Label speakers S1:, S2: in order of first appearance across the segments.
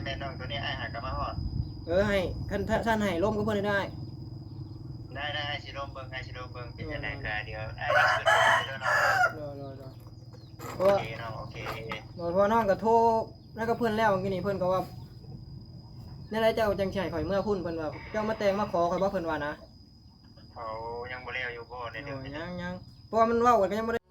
S1: ม่น้องตัวนี้ไอ้หักกับมาฮอด
S2: ให้ท่านให้ร่มก็เพิ่นได้
S1: ได้ไอ้สิลมเบิ่งเป็นจังได๋ก็เดี๋ยวไอ้สิขึ้นไปเด้อเนาะ
S2: รอเพ
S1: โอ
S2: ราะว่า
S1: เคเนาะโอเค
S2: เพราะน้องก็โทรแล้วก็เพิ่นแล้วเมื่อกี้นี่เพิ่นก็ว่าในไรเจ้าจังสิให้ข่อยเมื่อพุ่นเพิ่นว่าเจ้ามาแต่งมาขอข่อยบ่เพิ่นว่านะ
S1: เขายังบ่แล้วอยู่บ่ในเรื่องนี้
S2: ยังเพราะว่ามันเว้ากันก็ยังบ่ได้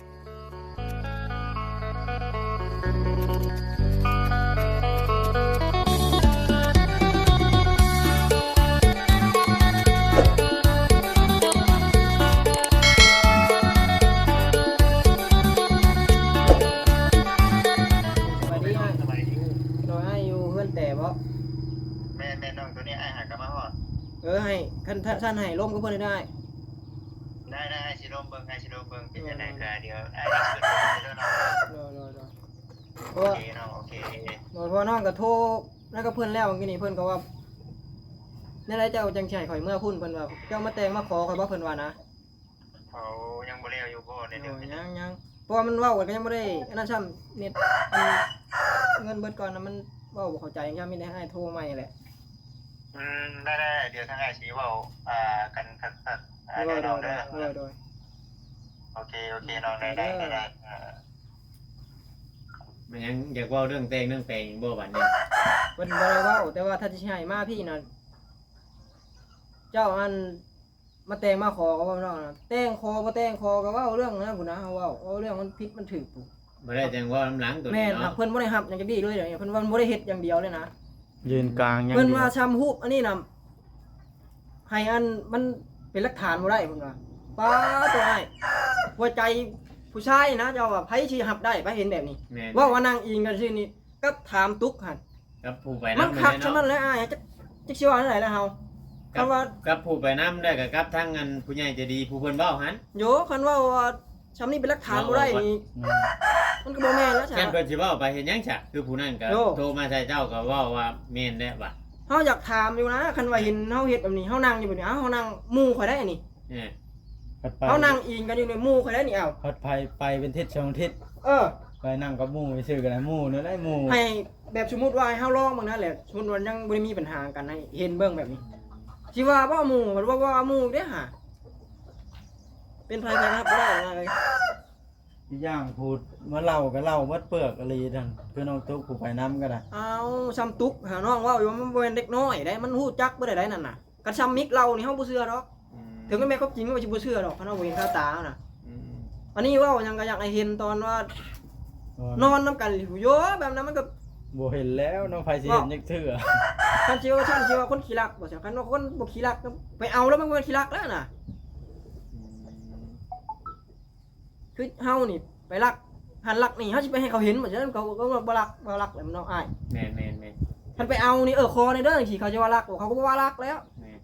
S1: สบายดี
S2: โดยให้อยู่เพิ่นแต่บ่
S1: แม่น้องตัวนี้ไอ้หักกับมาฮอด
S2: ให้ท่านให้ร่มก็เพิ่นได้
S1: ได้ไอ้สิลมเบิ่งเป็นจังได๋ก็เดี๋ยวไอ้สิขึ้นไปเด้อเนาะ
S2: รอเพราะ
S1: โอ
S2: ว่า
S1: เคเนาะโอเค
S2: เพราะน้องก็โทรแล้วก็เพิ่นแล้วเมื่อกี้นี่เพิ่นก็ว่าในไรเจ้าจังสิให้ข่อยเมื่อพุ่นเพิ่นว่าเจ้ามาแต่งมาขอข่อยบ่เพิ่นว่านะ
S1: เขายังบ่แล้วอยู่บ่ในเรื่องนี้
S2: ยังเพราะว่ามันเว้ากันก็ยังบ่ได้อันนั้นซ้ำเน็ตเงินเบิดก่อนนะมันเว้าบ่เข้าใจยังมีแต่ให้โทรใหม่แหละ
S1: ได้เดี๋ยวทางไอ้สิเว้ากันคักๆได้น้องเด้อ
S2: โดย
S1: โอเคน้องได้
S3: มันยังอยากเว่าเรื่องแต่งบ่บัดนี้
S2: เพิ่นบ่ได้เว้าแต่ว่าถ้าสิให้มาพี่น่ะเจ้าอันมาแต่งมาขอก็ว่าน้องนะแต่งขอบ่แต่งขอก็เว้าเรื่องนั้นพุ่นนะเฮาเว้าเรื่องมันผิดมันถูกปุ๊
S3: บ่ได้จังเว่าน้ำหลังตัว
S2: แม่
S3: นี้
S2: น
S3: เนาะ
S2: เพิ่นบ่ได้รับหยังจักดีเลยเดี๋ยวนี้เพิ่นว่าเพิ่นบ่ได้เฮ็ดอย่างเดียวเลยนะ
S4: ยืนกลางยัง
S2: เพิ่นว่าซ้ำรูปอันนี้น่ะให้อันมันเป็นหลักฐานบ่ได้เพิ่นว่าป้าตัวอ้ายหัวใจผู้ชายนะเจ้าว่าไผสิรับได้ไปเห็นแบบนี้
S3: แม่น
S2: ว่านางอิงกันซื่อนี่ก็ถามตุ๊กหั่น
S3: กับผู้ไป
S2: มัน
S3: นำ
S2: คัก
S3: เนาะ
S2: ฉะนั้นแหละอ้ายจักสิว่าจังได๋ล่ะเฮาคำว่า
S3: กับผู้ไปนำได้ก็กับทางอันผู้ใหญ่ใจะดีผู้เพิ่นเว้าหั่น
S2: โยคันว่าซ้ำนี่เป็นหลักฐานบ่ได้นี่มันก็บ่แม่นแล้วจ้ะ
S3: แค่นเพิ่นสิเว้าไปเฮ็ดหยังซะคือผู้นั้นก็
S2: โอ้
S3: โทรมาใส่เจ้าก็เว้าว่าแม่นแล้วบัด
S2: เฮาอยากถามอยู่นะคันว่าเห็นเฮาเฮ็ดแบบนี้เฮานั่งอยู่แบบนี้เฮานั่งหมู่ข่อยได้นี่
S3: เนี่ย
S4: พัดไป
S2: เฮานั่งอิงกันอยู่ในหมู่ข่อยได้นี่เอ้า
S4: พัดไปเป็นทิศช่องทิศ
S2: เออ
S4: ไปนั่งกับหมู่ไปซื้อกันนะหมู่เนื้อได้หมู่
S2: ให้แบบสมมุติว่าให้เฮาลองเบิ่งนั่นแหละสมมุติว่ายังบ่ได้มีปัญหากันให้เห็นเบิ่งแบบนี้สิว่าบ่หมู่มันว่าหมู่เด้อหาเป็นไผไปรับบ่ได้นะเลย
S4: อีกอย่างพูดเมื่อเล่าก็เล่าเมื่อเปลือกอะไรทั้งคือน้องตุ๊กผู้ไปน้ำก็ได้
S2: เอาซ้ำตุกหาน้องเว้าอยู่ว่ามันบ่แม่นเด็กน้อยได้มันฮู้จักบ่ได้นั่นน่ะกันซ้ำมิกเรานี่เฮาบ่เชื่อดอก
S3: อืม
S2: ถึงแม้เขาจริงก็บ่สิบ่เชื่อดอกคันเฮาบ่เห็นคาตาน่ะ
S3: อืม
S2: อันนี้เว้ายังก็อยากให้เห็นตอนว่านอนนํกันอยู่โยแบบนั้นมันก็
S4: บ่เห็นแล้วน้องไฟสิเห็นยักเถื่อ
S2: คันสิว่าฉันสิว่าคนขี้รักบ่ใช่คันว่าคนบ่ขี้รักก็ไปเอาแล้วมันบ่แม่นขี้รักแล้วน่ะ คือเฮานี่ไปรักหันรักนี่เฮาสิไปให้เขาเห็นบ่ใช่เขาก็บ่รักแล้วมันน้องอ้าย
S3: แม่น
S2: คันไปเอานี่คอในเด้อจังซี่เขาจะว่ารักบ่เขาก็บ่ว่ารักแล้ว
S3: แม่น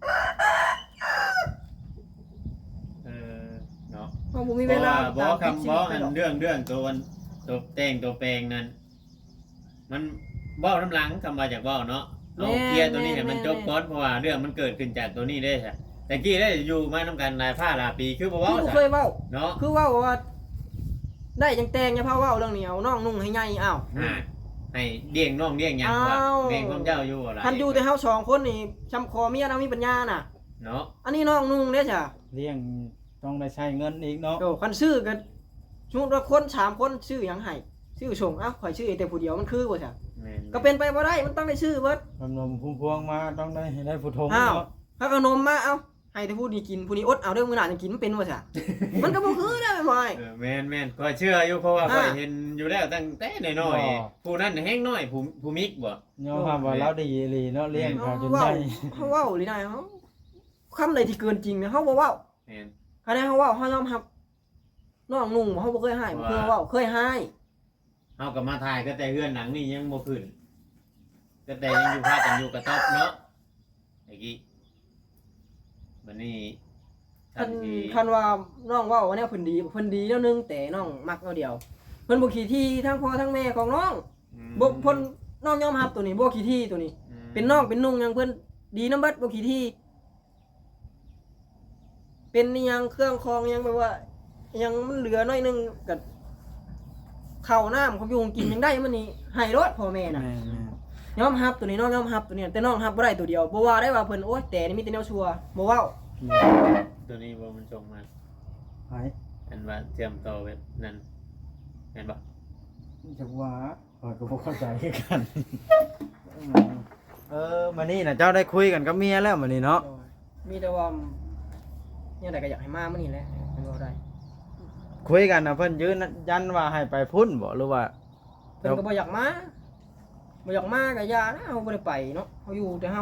S3: เนาะ
S2: เฮาบ่มี
S3: เพ
S2: เว
S3: ราะ
S2: ลา
S3: ว่าบ่
S2: ตาม
S3: คำ
S2: ชี
S3: บ่
S2: วิตไป
S3: อัน
S2: หรอก
S3: เรื่องตัวแต่งตัวแปลงนั้นมันเว้าน้ำหลังคำว่าจากเว้าเนาะเอาเคลียร์ตัวนี้ให้มันจบก่อนเพราะว่าเรื่องมันเกิดขึ้นจากตัวนี้เด้ใช่แต่กี้ได้อยู่มานํกันหลายหลายปีคือบ่
S2: คื
S3: เว้า
S2: อบ่
S3: ซะ
S2: เคยเว้า
S3: เนาะ
S2: คือเว้าว่าได้จังแต่งอย่าพาเว้าเรื่องนี้เอาน้องนุ่งให้ใหญ่อ้าว
S3: ให้เลี้ยงน้องเลี้ยงหยังว่า
S2: อ้าว
S3: เลี้ยงของเจ้าอยู่บ่ล่ะ
S2: คันอยู่แต่เฮาสองคนนี่ช้ำคอเมียนะมีปัญญาน่ะ
S3: เนาะ
S2: อันนี้น้องนุ่งเด้อจ้ะ
S4: เลี้ยงต้องได้ใช้เงินอีกเนาะ
S2: โตคันซื้อก็สมมุติว่าคน3คนซื้อหยังให้ซื้อส่งเอ้าข่อยซื้อแต่ผู้เดียวมันคือบ่จ้ะ
S3: แม่น
S2: ก็เป็นไปบ่ได้มันต้องได้ซื้อเบิด
S4: นมพุ่มพวงมาต้องได้ให้ได้ผู้ทง
S2: อ้าว
S4: เนาะ
S2: ถ้าขนมมาเอ้าให้แต่ผู้นี้กินผู้นี้อดเอาเด้อมื้อหน้าจะกินมันเป็นบ่จ้ะ มันก็บ่คือได้แม่นบ่อ้าย
S3: แม่นก็เชื่ออยู่เพราะว่า
S2: อ่า
S3: ข้อยเห็นอยู่แล้วตั้งแต่น้อยๆผู้นั้นแฮงน้อยผู้มิกบ่
S4: ยอมรับว่าเราดีอีหลีเนาะเลี้ยงเขาจน
S2: เว้า
S4: ใหญ่
S2: เฮาเว้าหรือได้เฮาคำใดที่เกินจริงเนี่ยเฮาบ่เว้า
S3: แม่น
S2: คันใดเฮาเว้าเฮายอมรับน้องนุ่งเฮาบ่เคยให้บ่เคยเว้าเคยให้
S3: เฮาก็มาถ่ายก็แต่เฮือนหลังนี่ยังบ่ขึ้นก็แต่ยังอยู่พากันอยู่กระต๊อบเนาะไอ้กี้บัดนี้
S2: คันว่าน้องเว้าว่าแนวเพิ่นดีแล้วนึงแต่น้องมักเอาเดียวเพิ่นบ่ขี้ที่ทั้งพ่อทั้งแม่ของน้องบ่เพิ่นน้องยอมรับตัวนี้บ่ขี้ที่ตัวนี้ เป็นน้องเป็นนุ่งหยังเพิ่นดีนำเบิดบ่ขี้ที่เป็นอิหยังเครื่องคองอิหยังแบบว่าอิหยังมันเหลือน้อยนึงก็ข้าวน้ำของอยู่ของกินยังได้มันนี่ให้รถพ่อแม่น่ะ
S4: แม่
S2: ยอมรับตัวนี้น้องยอมรับตัวนี้แต่น้องรับบ่ได้ตัวเดียวบ่ว่าได้ว่าเพิ่นโอ๊ยแต่นี่มีแต่แนวชัวร์บ่เว้า
S3: ตัวนี้บ่มันส่งมา
S4: ไผ
S3: อันว่าเตรียมต่อแบบนั้นเห็นบ่
S4: จักว่าข้อยก็บ่เข้าใจคือกันมื้อนี้น่ะเจ้าได้คุยกันกับเมียแล้วมื้อนี้เนาะ
S2: มีแต่ว่าเนี่ยใดก็อยากให้มามื้อนี้แหละเพิ่นเว้าได้
S4: คุยกันน่ะเพิ่นยืนยันว่าให้ไปพุ่นบ่หรือว่า
S2: เพิ่นก็บ่อยากมาบ่อยากมาก็อย่านะเฮาบ่ได้ไปเนาะเฮาอยู่แต่เฮา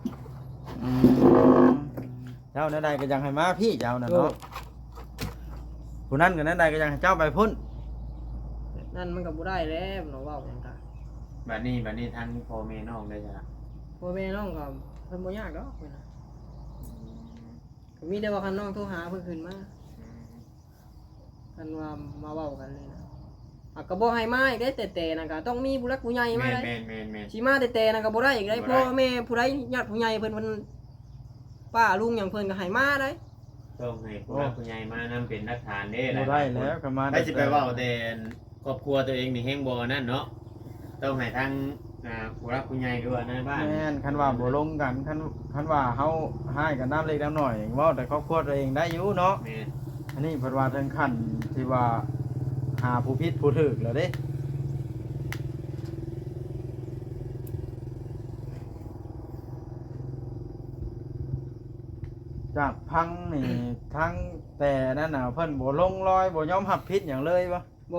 S4: เจ้านั่นใดก็ยังให้มาพี่เจ้าน่ะเนาะผู้นั้นก็นั่นใดก็ยังให้เจ้าไปพุ่น
S2: นั่นมันก็บ่ได้แล้วเนาะเว้าหยังกะ
S3: บัดนี้ทางพ่อแม่น้องได้จ้ะ
S2: พ่อแม่น้องก็เพิ่นบ่ยากดอกเพิ่นน่ะก็มีแต่ว่าคันน้องโทรหาเพิ่นขึ้นมาคันว่ามาเว้ากันเลยนะก็บ่ให้มาอีกได้แต่ๆนั่นก็ต้องมีผู้หลักผู้ใหญ่มาได้
S3: แม่น
S2: สิมาแต่ๆนั่นก็บ่ได้อีกได้พ่อแม่ผู้ใดญาติผู้ใหญ่เพิ่นป้าลุงหยังเพิ่นก็ให้มาได้
S3: ต้องให้ผู้หลักผู้ใหญ่มานำเป็นหลักฐานเด้
S4: บ่ได้แล้วก็มา
S3: ให้สิไปเว้าแต่ครอบครัวตัวเองนี่แฮงบ่นั่นเนาะต้องให้ทางผู้หลักผู้ใหญ่ด้วยในบ้าน
S4: แม่นคันว่าบ่ลงกันคันว่าเฮาให้กันน้ำเล็กน้ำน้อยเว้าแต่ครอบครัวตัวเองได้อยู่เนาะ
S3: แม่น
S4: อันนี้เพิ่นว่าถึงขั้นที่ว่าหาผู้ผิดผู้ถูกแล้วเด้จากพังนี่ทั้งแต่นั่นน่ะเพิ่นบ่ลงรอยบ่ยอมรับผิดหยังเลยบ่
S2: บ่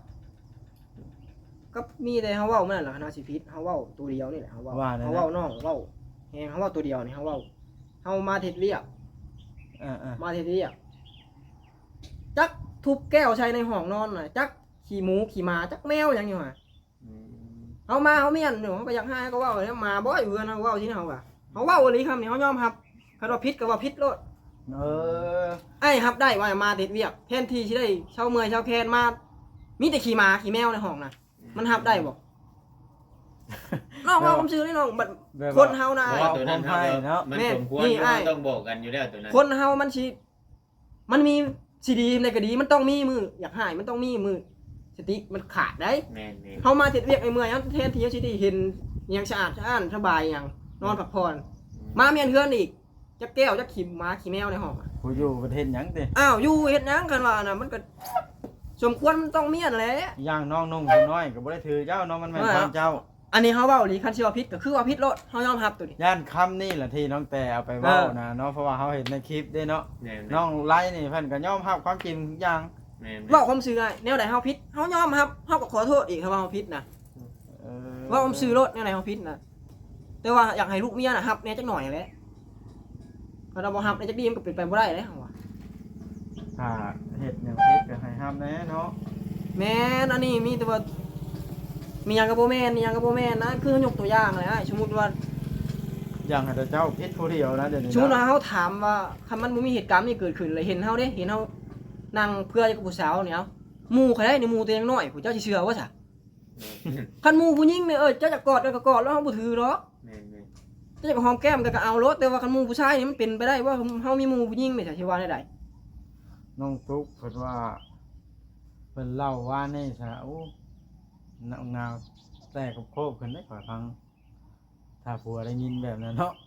S2: ก็มีแต่เฮาเว้ามันนั่นล่ะคณะสิผิดเฮาเว้าตัวเดียวนี่แหละเฮาเว้าเฮาเว้าน้องเว้าแฮงเฮาเว้าตัวเดียวนี่เฮาเว้าเฮามาเฮ็ดเวียก มาเฮ็ดเวียกจักทุบแก้วใส่ในห้องนอนน่ะจักขี้หมูขี้หมาจักแมวหยังอยู่ห่า
S3: อืม
S2: เฮามาเฮาเมียนเนาะก็อยากให้ก็เว้าแล้วมาบ่อยู่กันเฮาเว้าที่เฮาว่าเฮาเว้าอีหลีคำนี้เฮายอมรับคันว่าผิดก็ว่าผิดโลด
S4: เออ
S2: ไอ้รับได้ว่ามาเฮ็ดเวียกแทนที่สิได้เช้าเมื่อยเช้าแคนมามีแต่ขี้หมาขี้แมวในห้องน่ะมันรับได้บ่ น้องว่าผมซื้อนี่น้องบัด
S4: แบบ
S2: คนเฮานะ
S3: เพราะว่าตัวนั้น
S4: ให้เนาะ
S3: มัน
S2: แม่
S3: สมควร
S2: นี่
S3: ที่
S2: อ้าย
S3: ต้องบอกกันอยู่แล้วตัวนั้น
S2: คนเฮามันสิมันมีสิดีในก็ดีมันต้องมีมืออยากหายมันต้องมีมือสติมันขาดได้
S3: แม่น
S2: เฮามาเฮ็ดเวียกไอ้เมื่อยเฮาแทนที่จะสิได้เห็นอหยังสะอาดสะอ้านสบายหยังนอนพักผ่อนมาเมียนเฮือนอีกจักแก้วจักขี้หมาขี้แมวในห้องอะ
S4: ผู้อยู่ประเทศหยังติ
S2: อ้าวอยู่เฮ็ดหยังกันว่าน่ะมันก็สมควรมันต้องเมียนแหละ
S4: ย่างน้องนุ่งผู้น้อยก็บ่ได้ถือเจ้าเนาะมันแม่นความเจ้า
S2: อันนี้เฮาเว้าอีหลีคันสิว่าผิดก็คือว่าผิดโลดเฮายอมรับตัวนี้
S4: ย่านคำนี่แหละที่น้องแต่เอาไปเว้านะเนาะเพราะว่าเขาเห็นในคลิปด้วยเนาะ
S3: แม่น
S4: น้องไล่นี่เพิ่นก็ยอมรับความจริงทุกอย่าง
S3: แม่น
S2: เว้าความซื่อได้แนวใดเฮาผิดเฮายอมรับเฮาก็ขอโทษอีกครับว่าเฮาผิดนะ ว่าผมซื้อรถเนี่ยไหนเขาพิษนะแต่ว่าอยากให้ลูกเมียนะฮับเนี่ยจักหน่อยแหละพอเราบ่ฮับเนี่ยจักดีมันก็เป็นไปบ่ได้เลยว่า
S4: ถ้าเฮ็ดหยังผิดก็ให้ห้ามแน่เนาะ
S2: แม่นอันนี้มีแต่ว่ามีหยังกับบ่แม่นมีหยังกับบ่แม่นนะคือยกตัวอย่างเลยสมมุติว่า
S4: อย่างให้แต่เจ้าผิดผู้เดียวนะเดี๋ยวนี้
S2: สมมุติ
S4: นะ
S2: ว่าเฮาถามว่าคันมันบ่มีเหตุการณ์นี้เกิดขึ้นเลยเห็นเฮาเด้เห็นเฮานั่งเพื่อกับผู้สาวเนี่ยเอาหมู่ใครได้ในหมู่ตัวยังน้อยผู้เจ้าสิเชื่อว่าซะคันหมู่ผู้หญิงเนี่ยเจ้าจะกอดก็กอดแล้วเฮาบ่ถือหรอก
S3: แม่น
S2: เจ้าจะหอมแก้มก็เอารถแต่ว่าคันหมู่ผู้ชายนี่มันเป็นไปได้ว่าเฮามีหมู่ผู้หญิงไม่ใช่สิว่าได้
S4: น้องตุ๊กเพิ่นว่าเพิ่นเล่าว่านี่ซะโอ้งาวแต่กับโคบขึ้นได้ขอฟังถ้าผัวได้ยินแบบนั้นเนาะ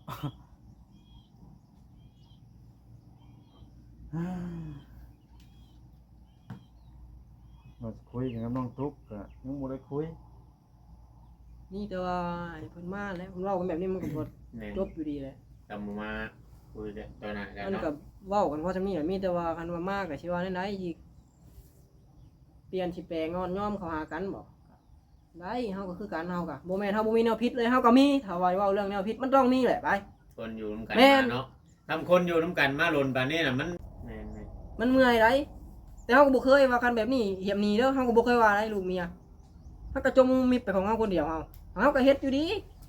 S4: มาคุยกันกับน้องตุ๊กก็ยังบ่ได้คุย
S2: นี่แต่ว่าเพิ่นมาแล้วเพิ่นเว้ากันแบบนี้มันก็บ่
S3: แม่น
S2: จบอยู่ดีแหละ
S3: จำมาคุยกันตัวนั้นกัน
S2: มัน
S3: เนาะ
S2: ก็เว้ากันเพราะจำนี้แหละมีแต่ว่าคันว่ามากก็สิว่าได้อีกเปลี่ยนสิแปลงอนย่อมเข้าหากันบ่ได้เฮาก็คือกันเฮาก็บ่แม่นเฮาบ่มีแนวผิดเลยเฮาก็มีถ้าว่าเว้าเรื่องแนวผิดมันต้องมีแหละไป
S3: คนอยู่นํกัน
S2: แม่น
S3: มาเนาะทำคนอยู่นํกันมาหล่นปานนี้น่ะมันแม่น
S2: มันเมื่อยได้แต่เฮาก็บ่เคยว่าคันแบบนี้เหียบหนีเด้อเฮาก็บ่เคยว่าได้ลูกเมียเฮาก็จมมิดไปของเฮาคนเดียวเฮาก็เฮ็ดอยู่ดี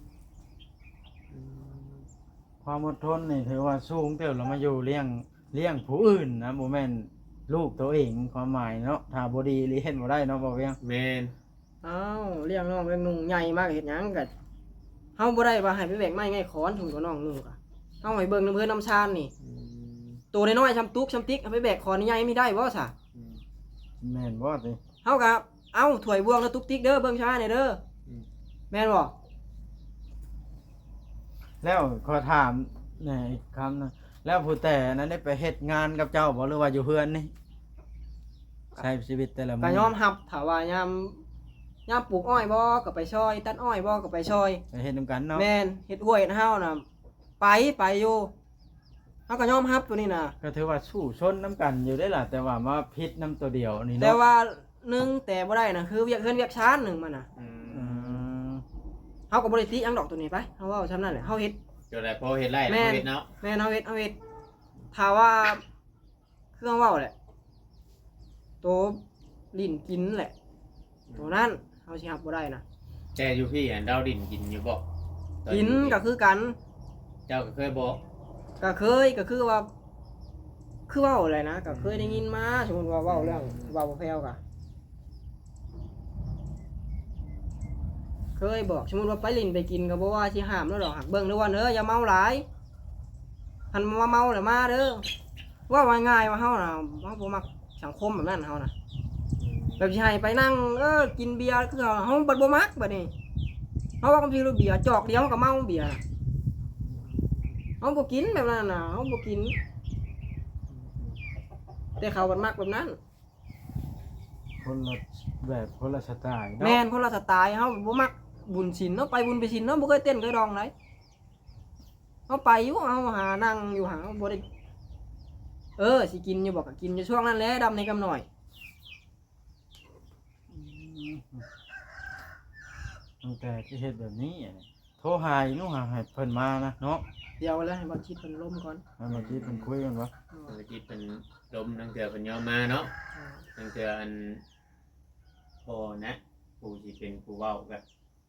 S4: ความอดทนนี่ถือว่าสูงเติบแล้วมาอยู่เลี้ยงผู้อื่นนะบ่แม่นลูกตัวเองความหมายเนาะถ้าบ่ดีเลี้ยงบ่ได้เนาะบ่เวียง
S3: แม่น
S2: อ้าวเลี้ยงน้องเลี้ยงนุ่งใหญ่มากเฮ็ดหยังก็เฮาบ่ได้ว่าให้ไปแบกไม้ไงขอนถึงกับน้องนุ่งก็เฮาให้เบิ่งน้ำเพิ่นน้ำชานนี่ตัวน้อยๆชำตุกชำติ๊กเอาไปแบกขอนใหญ่ไม่ได้บ่ซะ
S4: แม่นบ่ติ
S2: เฮาก็เอาถ้วยบวงแล้วตุกติ๊กเด้อเบิ่งชาเนี่ยเด้อแม่นบ่
S4: แล้วขอถามแหน่อีกคำหนึงแล้วผู้แต่นั้นได้ไปเฮ็ดงานกับเจ้าบ่หรือว่าอยู่เฮือนนี่ใช้ชีวิตแต่ละมื้
S2: ก็ยอมรับถ้าว่ายามปลูกอ้อยบ่ก็ไปช่อยตัดอ้อยบ่ก็ไปช่อย
S4: ไปเฮ็ดนํกันเนาะ
S2: แม่นเฮ็ดห้วยเฮ็ดเฮาน่ะไปอยู่เฮาก็ยอมรับตัวนี้น่ะ
S4: ก็ถือว่าสู้ชนนํกันอยู่ได้ล่ะแต่ว่ามาพิษนํตัวเดียวนี่
S2: แต่
S4: เนาะ
S2: ว่าหนึ่งแต่บ่ได้น่ะคือเวียกเฮือนเวียกชานหนึงมันน่ะ
S3: อื
S4: อื
S3: ม
S4: ม
S2: เฮาก็บ่ได้ติหยังดอกตัวนี้ไปเฮาเว้าซำนั้นแหละเฮาเฮ็ด
S3: เดี๋ยวแหละพอเฮ็ดไร่
S2: แม่
S3: แล้ว
S2: น
S3: เฮ็ดเนาะ
S2: แม่นเฮาเฮ็ดถ้าว่าเครื่องเว้าแหละตัวลิ้นกินแหละ ตัวนั้นเฮาสิรับบ่ได้นะ
S3: แต่อยู่พี่อันดาวดินกินอยู่บ่ตอ
S2: กิน
S3: อยู่
S2: ก็คือกัน
S3: เจ้าก็เคยบอก
S2: ก็เคยก็คือว่าคือเว้าอะไรนะก็เคยได้ยินมาสมมุติว่าเว้าเรื่องเว้าบ่แพ้วก็เคยบอกสมมุติว่าไปลิ้นไปกินก็บ่ว่าสิห้ามแล้วดอกหักเบิ่งเด้อว่าอย่าเมาหลายหันมาเมาแล้วมาเด้อว่าง่ายๆว่าเฮาน่ะเฮาบ่มักสังคมแบบนั้นเฮาน่ะแบบสิให้ไปนั่งกินเบียร์คือเฮาบ่มักบัดนี้เฮาว่าบางทีเราเบียร์จอกเดียวก็เมาเบียร์เฮาบ่กินแบบนั้นน่ะเฮาบ่กินแต่เขาบัดมักแบบนั้น
S4: คนละแบบคนละสไตล์เนาะ
S2: แม่นคนละสไตล์เฮาบ่มักบุญศีลเนาะไปบุญไปศีลเนาะบ่เคยเต้นเคยร้องไดเฮาไปอยู่เฮาหานั่งอยู่หาบ่ได้สิกินอยู่บอกก็กินอยู่ช่วงนั้นแหละดำในกำหน่อย
S4: ตั้งแต่ที่เฮ็ดแบบนี้อะโทรหาอีหนูหาให้เพิ่นมานะเนาะ
S2: เดี๋ยวแล้วให้บ่คิดเพิ่นล้มก่อน
S4: ให้มาคิดเพิ่นคุยกันบ่
S3: เมื่อกี้เป็นลมทั้งเถื่อเป็นยอมมาเนาะทั้งเถื่ออันพอนะผู้ที่เป็นผู้เว้ากับ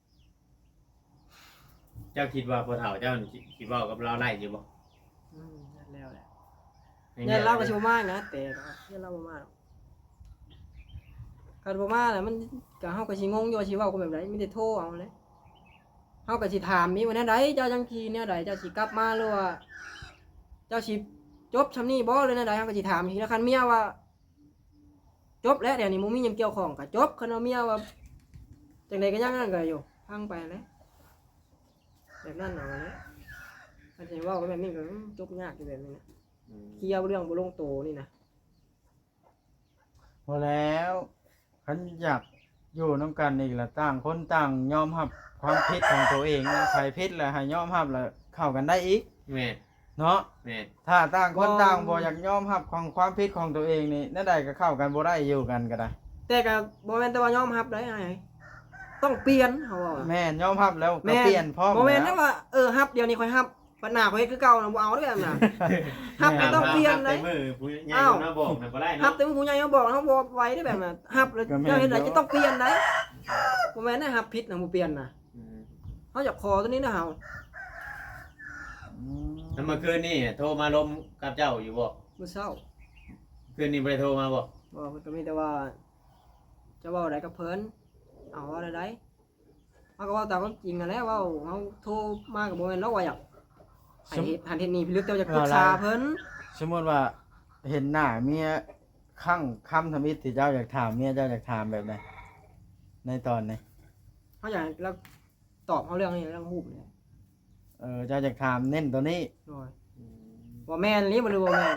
S3: เจ้าคิดว่าพอเฒ่าเจ้านี่คิดเว้ากับเราไล่อยู่บ่
S2: นั่นแล้วแหละเนี่ยเราก็สิบ่มานะแต่ก็เนี่ยเราบ่มาหรอกคันบ่มาแล้วมันก็เฮาก็สิงงอยู่ว่าสิเว้ากันแบบใดมีแต่โทรเอาเลยเฮาก็สิถามมีว่าแนวใดเจ้าจังซี่แนวใดเจ้าสิกลับมาหรือว่าเจ้าสิจบซำนี้บ่หรือแนวใดเฮาก็สิถามทีละคันเมียว่าจบแล้วเดี๋ยวนี้บ่มีหยังเกี่ยวข้องก็จบคันว่าเมียว่าจังได๋ก็ยังนั่นก็อยู่พังไปแหล้วแบบนั้นเอาแหละถ้าสิเว้ากันแบบนี้ก็จบยากอยู่แบบนี้นะ เคลียร์เรื่องบ่ลงโตนี่นะ
S4: พอแล้วคันอยากอยู่นํกันอีกละต่างคนต่างยอมรับความผิดของตัวเองนะใครผิดแล้วให้ยอมรับแล้วเข้ากันได้อีก
S3: แม่น
S4: เนาะ
S3: แม่น
S4: ถ้าต่างคนต่างบ่อยากยอมรับของความผิดของตัวเองนี่นั่นใดก็เข้ากันบ่ได้อยู่กันก็ได้
S2: แต่ก็บ่แม่นแต่ว่ายอมรับได้ไอ้ต้องเปลี่ยนเฮาว่า
S4: แม่นยอมรับแล้วก็เปลี่ยนพร้อม
S2: บ่แม่นแต่
S4: แล้ว
S2: ว่ารับเดี๋ยวนี้ค่อยรับปัญหาค่อยเฮ็ดคือเก่าน่ะบ่เอาเด้อแบบน่ะ รับก็ต้องเปลี่ยนเลย
S3: มือผู้ใหญ่มาบอกน่ะบ่ได้
S2: รับ
S3: เนาะ
S2: แต่ผู้ใหญ่เขาบอกเฮาบ่ไหวได้แบบน่ะรับแล้วเจ้าเฮ็ดได้จะต้องเปลี่ยนได้บ่แม่นได้รับผิดน่ะบ่เปลี่ยนน่ะ
S3: อืม
S2: เฮาอยากขอตัวนี้นะเฮา
S3: แล้วเมื่อคืนนี่โทรมาลมกับเจ้าอยู่บ่
S2: มื้อเช้า
S3: คืนนี้บ่ได้โทรมาบ่
S2: บ่เพิ่นก็มีแต่ว่าจะเว้าได้กับเพิ่นเอาว่าได้เฮาก็เว้าตามความจริงนั่นแหละเว้าเฮาโทรมาก็บ่แม่นเราว่าอยากให้เฮ็ดหันเฮ็ดนี่พี่ลึกแต่ว่าจะปรึกษาเพิ่น
S4: สมมุติว่าเห็นหน้าเมียข้างคำทำอิฐที่เจ้าอยากถามเมียเจ้าอยากถามแบบไหนในตอนนี้
S2: เขาอยากให้เราตอบเขาเรื่องนี้เรื่องหูปเนี่ย
S4: เจ้าอยากถามเน้นตัวนี้
S2: โดยว่าแม่นหรือบ่หรือว่าแม่น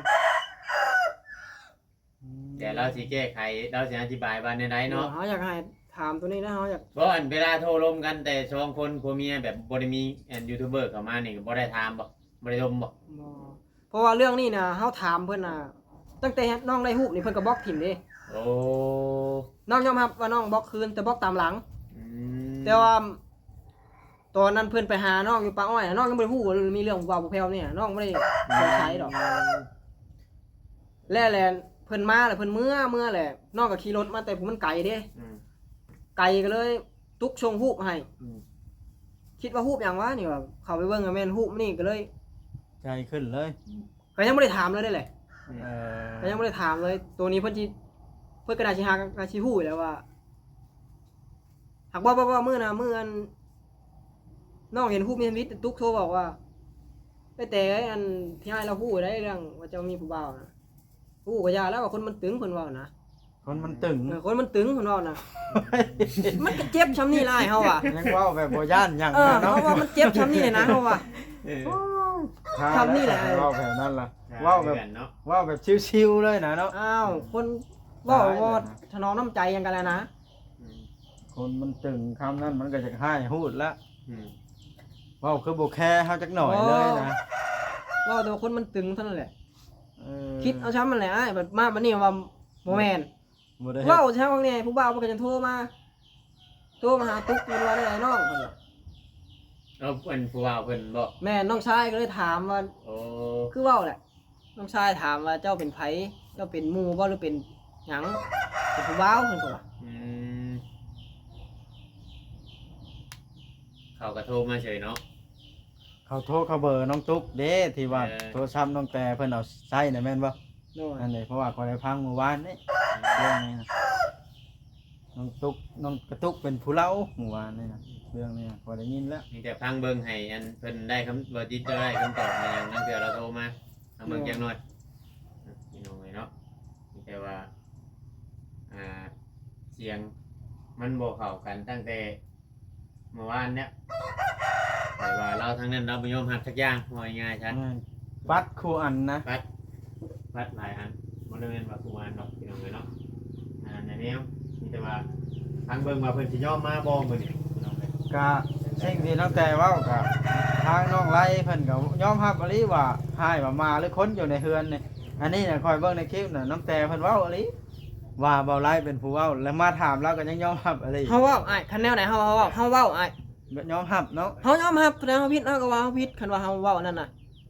S3: แต่เราสิแก้ไขเราสิอธิบายว่าในใดเนาะ
S2: เขาอยากให้ถามตัวนี้นะเขาอยาก
S3: เพราะอันเวลาโทรลมกันแต่สองคนผัวเมียแบบบ่ได้มีอันยูทูบเบอร์เข้ามานี่ก็บ่ได้ถามบ่บ่ได้ลมบ่
S2: บ่เพราะว่าเรื่องนี้นะเขาถามเพิ่นน่ะตั้งแต่น้องได้หูปนี่เพิ่นก็บล็อกถิ่มเด้
S3: โอ้
S2: น้องยอมรับว่าน้องบล็อกคืนแต่บล็อกตามหลัง
S3: อืม
S2: แต่ว่าตอนนั้นเพิ่นไปหาน้องอยู่ป่าอ้อยน่ะน้องยังบ่ได้ฮู้ว่ามีเรื่องว่าบ่แพ้วเนี่ยน้องบ่ได้สงสัยดอกแล้วแหละเพิ่นมาแล้วเพิ่นเมื่อแหละน้องก็ขี่รถมาแต่ผมมันไกลเด้
S3: อืม
S2: ไก่ก็เลยตุกชงฮูบให้
S3: อืม
S2: คิดว่าฮูบอย่างวะนี่ว่าเข้าไปเบิ่งกับแม่นฮูบนี่ก็เลย
S4: ใจขึ้นเลย
S2: ก็ยังบ่ได้ถามเลยได้แหละ
S4: เออ
S2: ก็ยังบ่ได้ถามเลย ตัวนี้เพิ่นกระดาษสิหากระสิฮู้อยู่แล้วว่าหากว่ามื้อน่ะมื้ออันน้องเห็นฮูบมีชีวิตตุกโทรบอกว่าไปแต่อันที่ให้เราฮู้ได้เรื่องว่าเจ้ามีผู้บ่าวนะฮู้ก็ยาแล้วว่าคนมันตึงเพิ่นเว้านะ
S4: คนมันตึง
S2: คนมันตึงเพิ่นเว้านะมันก็เจ็บช้ำนี่ล่ะเฮาว่ะ
S4: ยังเว่าแบบบ่ย่านหยัง
S2: เออ
S4: นะ
S2: เพ
S4: เนาะ
S2: ราะว่ามันเจ็บช้ำนี่เลยนะเพราะว่า
S3: เออ
S2: คำนี่แหละ
S4: เว้าแบบนั้นล่ะเว้าแบบ
S3: เนาะ
S4: เว้าแบบชิวๆเลยนะเนาะ
S2: อ้าวคนเว้าว่าถนอมน้ำใจยังกันแล้วนะ
S4: คนมันตึงคำนั้นมันก็จะให้พูดละ
S3: อืม
S4: เว้าคือบ่แค่เฮาจักหน่อยเลยนะ
S2: เว่าแต่ว่าคนมันตึงเท่านั้นแหละ
S4: เออ
S2: คิดเอาช้ำมันแหละไอ้แบบมาบัดนี้ว่าบ่แม่น
S4: บ่ได้เฮ็ด
S2: เว้าช้ำบางเนี่ยผู้บ่าวมันก็จะโทรมาหาตุ๊กมันว่าได้ไอ้น้องเพิ่นว่า
S3: เอาเพิ่นผู้ว่าเพิ่นบอก
S2: แม่น้องชายก็เลยถามว่า
S3: โอ้
S2: คือเว้าแหละน้องชายถามว่าเจ้าเป็นไผเจ้าเป็นหมู่บ่หรือเป็นหยังเป็นผู้บ่าวเพิ่นก็ว่า
S3: อืมเขาก็โทรมาเฉยเนาะ
S4: เขาโทรเขาเบอร์น้องตุ๊กเด้ที่ว่า
S3: เออ
S4: โทรศัพท์น้องแต่เพิ่นเอาใช้น่ะแม่นบ่
S2: โน่น
S4: นั่นแหละเพราะว่าขอยได้พังเมื่อวานนี่เรื่องนี้นะน้องตุ๊กน้องกระตุกเป็นผู้เล่าเมื่อวานนี่นะเรื่องนี้นะพอได้ยินแล้ว
S3: มีแต่ฟังเบิ่งให้อันเพิ่นได้คำบ่จิตได้คำตอบมาอย่างนั้นเดี๋ยวเราโทรมาเอาเบิ่งจังหน่อยพี่น้องเนาะมีแต่ว่าเสียงมันบ่เข้ากันตั้งแต่เมื่อวานเนี่ยแต่ว่าเราทั้งนั้นเราบ่ยอมรับสักอย่างว่าง่ายๆชัด
S4: ปัดครูอันนะ
S3: วัดหลายอันบ่ได้แม่นว่าทุกอันดอกพี่น้องเนาะในแนวมีแต่ว่าทางเบิ่งว่าเพิ่นสิยอมมาบ่มื้อนี้พี่น้องเอ้ย
S4: กะสิ่งที่น้องแต่เว้ากับทางน้องไล่เพิ่นก็ยอมรับอลิว่าให้ว่ามาหรือคนอยู่ในเฮือนนี่อันนี้น่ะคอยเบิ่งในคลิปน่ะน้องแต่เพิ่นเว้าอลิว่าเบาไล่เป็นผู้เว้าแล้วมาถามเราก็ยังยอมรับอลิ
S2: เฮาเว้าอ้ายคันแนวไหนเฮาเว้าอ้าย
S4: ยอมรับเนาะ
S2: เฮายอมรับแสดงว่าผิดเฮาก็ว่าเฮาผิดคันว่าเฮาเว้านั่นน่ะ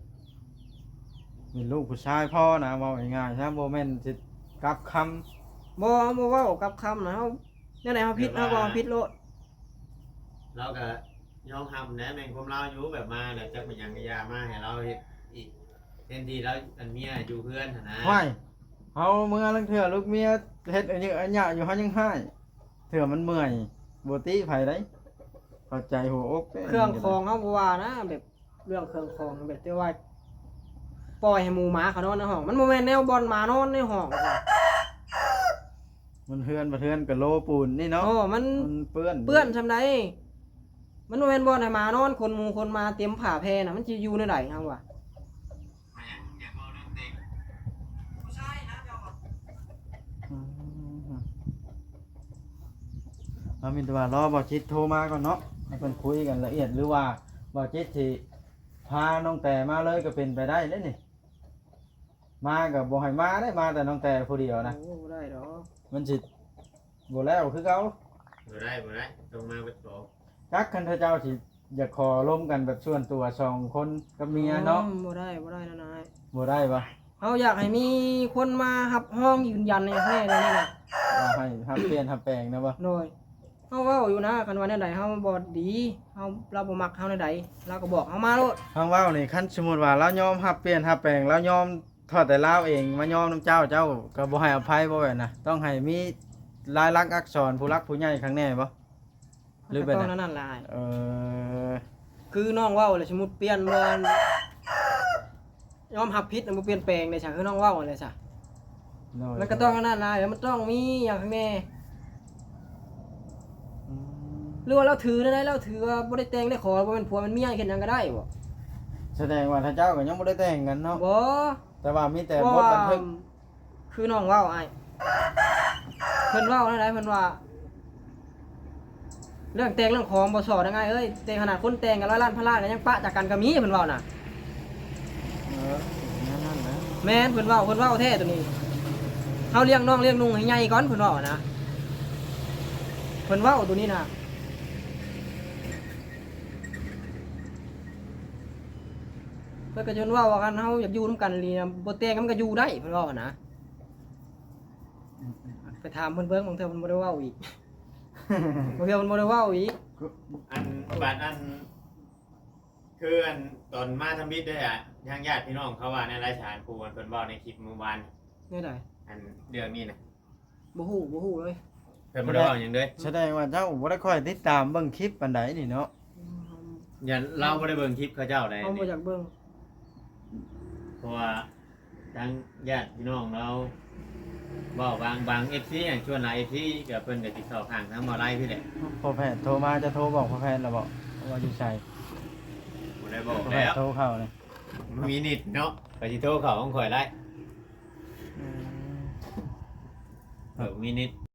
S4: เป็นลูกผู้ชายพ่อนะเว้าง่ายๆซะบ่แม่นสิกลับคำ
S2: บ่เว้ากับคำนะเฮาแนวไหนเฮาผิดเฮาก็ว่าผิดโลด
S3: เราก็ยอมรับนะแม่งความเราอยู่แบบมาแล้วจักเป็นหยังก็อย่ามาให้เราเฮ็ดอีกเช่นที่เราอันเมียอยู่เพื่อนหั่นนะ
S4: ห้อยเฮาเมื่อลังเทื่อลูกเมียเฮ็ดอันนี้อันยะอยู่เฮายังให้เทื่อมันเมื่อยบ่ติไผได้เข้าใจหัวอกด้
S2: เครื่องคองเฮาบ่ว่านะแบบเรื่องเครื่องคองแบบที่ว่าปล่อยให้หมูหมาเขานอนในห้องมันบ่แม่นแนวบอลหมานอนในห้องว่ะ
S4: มันเฮือนบ่เฮือนกับโลปูนนี่เนาะ
S2: โอ้มัน
S4: มันเปื้อน
S2: เปื้อนซำใดมันบ่แม่นบอลให้หมานอนคนหมู่คนมาเตรียมผ้าแพรน่ะมันสิอยู่ในใดเฮาว่ะ
S3: อยากเว้าเรื่องเด็ก
S2: ผู้ชายนะเจ้า
S4: อืมเอามีแต่ว่ารอบ่จิตโทรมาก่อนเนาะให้เพิ่นคุยกันละเอียดหรือว่าบ่จิตสิพาน้องแต่มาเลยก็เป็นไปได้เด้นี่มาก็บ่ให้มาได้มาแต่น้องแต่ผู้เดียวนะ
S2: โอ้บ่ได้ดอก
S4: มันสิบ่แล้วคือเก่า
S3: บ่ได้ตรงมาเบิดบ่
S4: จักคันเจ้าสิอยากขอร่วมกันแบบส่วนตัว2คนกับเมียเนาะ
S2: บ่ได้นะนาย
S4: บ่ได้ปะ
S2: เฮาอยากให้มีคนมารับห้องยืนยันในแท้เลยนี่น่ะ
S4: ว่าให้ทับเปลี่ยนทับแปลงนะปะ
S2: โดยเฮาเว้าอยู่นะคันว่าแนวใดเฮาบ่ดีเฮาเราบ่มักเฮาแนวใดเราก็บอกเฮามาโลด
S4: ทางเว้านี่คันสมมุติว่าเรายอมทับเปลี่ยนทับแปลงเรายอมทอดแต่ลาวเองมายอมน้ำเจ้าก็บ่ให้อภัยบ่แม่นนะต้องให้มีลายลักษณ์อักษรผู้รักผู้ใหญ่ข้างแน่บ่หรือ
S2: ก็
S4: เป็น
S2: ต้อง
S4: น่ะ
S2: นั่นล่ะ
S4: อ
S2: คือน้องเว้าเลยสมมุติเปลี่ยนบ่ยอมรับผิดบ่เปลี่ยนแปลงได้ซะคือน้องเว้านั่นแหละซะมันก็ต้องนั่นล่ะเดี๋ยวมันต้องมีอย่างข้างแน่หรือว่าเราถือได้เราถือว่าบ่ได้แต่งได้ขอบ่เป็นผัวเป็นเมียเฮ็ดหยังก็ได้บ่
S4: แสดงว่าท่านเจ้าก็ยังบ่ได้แต่งกันเนาะ
S2: บ่
S4: แต่ว่ามีแต่
S2: เพราะ
S4: บท
S2: ว่า
S4: บันทึก
S2: คือน้องเว้าอ้ายเพิ่นเว้าได้เพิ่นว่า เรื่องแต่งเรื่องของบ่สอได้ไงเอ้ยแต่งขนาดคนแต่งกัน100 ล้านพันล้านก็ยังปะจากกันก็มีเพิ่นเว้าน่ะ
S4: นั่นนะ
S2: แม่นเพิ่นเว้าแท้ตัวนี้เฮาเลี้ยงน้องเลี้ยงนุ่งให้ใหญ่ก่อนเพิ่นเว้านะเพิ่นเว้าตัวนี้น่ะเพิ่นก็จนเว้าว่ากันเฮาอยากอยู่นํกันอีหลีนะบ่แต่งกันมันก็อยู่ได้เพิ่นเว้านะไปถามเพิ่นเบิ่งบางเทื่อเพิ่นบ่ได้เว้าอีก บางเทื่อเพิ่นบ่ได้เว้าอีก
S3: อันบาดอันคืออันตอนมาทำบิดด้วยอ่ะทางญาติพี่น้องเขาว่าในรายสารครูมันเพิ่นเว้าในคลิปเมื่อวาน
S2: แนี่ได้
S3: อันเรื่องนี้นะ
S2: บ่ฮู้เลย
S3: เพิ่นบ่ได้เว้าหยังเด้อ
S4: แสดงว่าเจ้าบ่ได้ค่อยติดตามเบิ่งคลิปปานใดนี่เนาะ
S3: อย่าเราบ่ได้เบิ่งคลิปเขาเจ้าได้
S2: เฮาบ่อยากเบิ่ง
S3: เพราะว่าทางญาติพี่น้องเราเว้าบาง FC อย่างชวนหลาย FC ก็เพิ่นก็สิเข้าข้างทางบ่ไล่พี่แหละ
S4: พอแพทย์โทรมาจะโทรบอกพอแพทย์แล้วบอกว่าอยู่ใส่
S3: บ่ได้บอก
S4: ก็
S3: แล้ว
S4: โทรเข้าเลย
S3: มีนิดเนาะไปสิโทรเขาของข่อยได้
S2: อืม
S3: มีนิด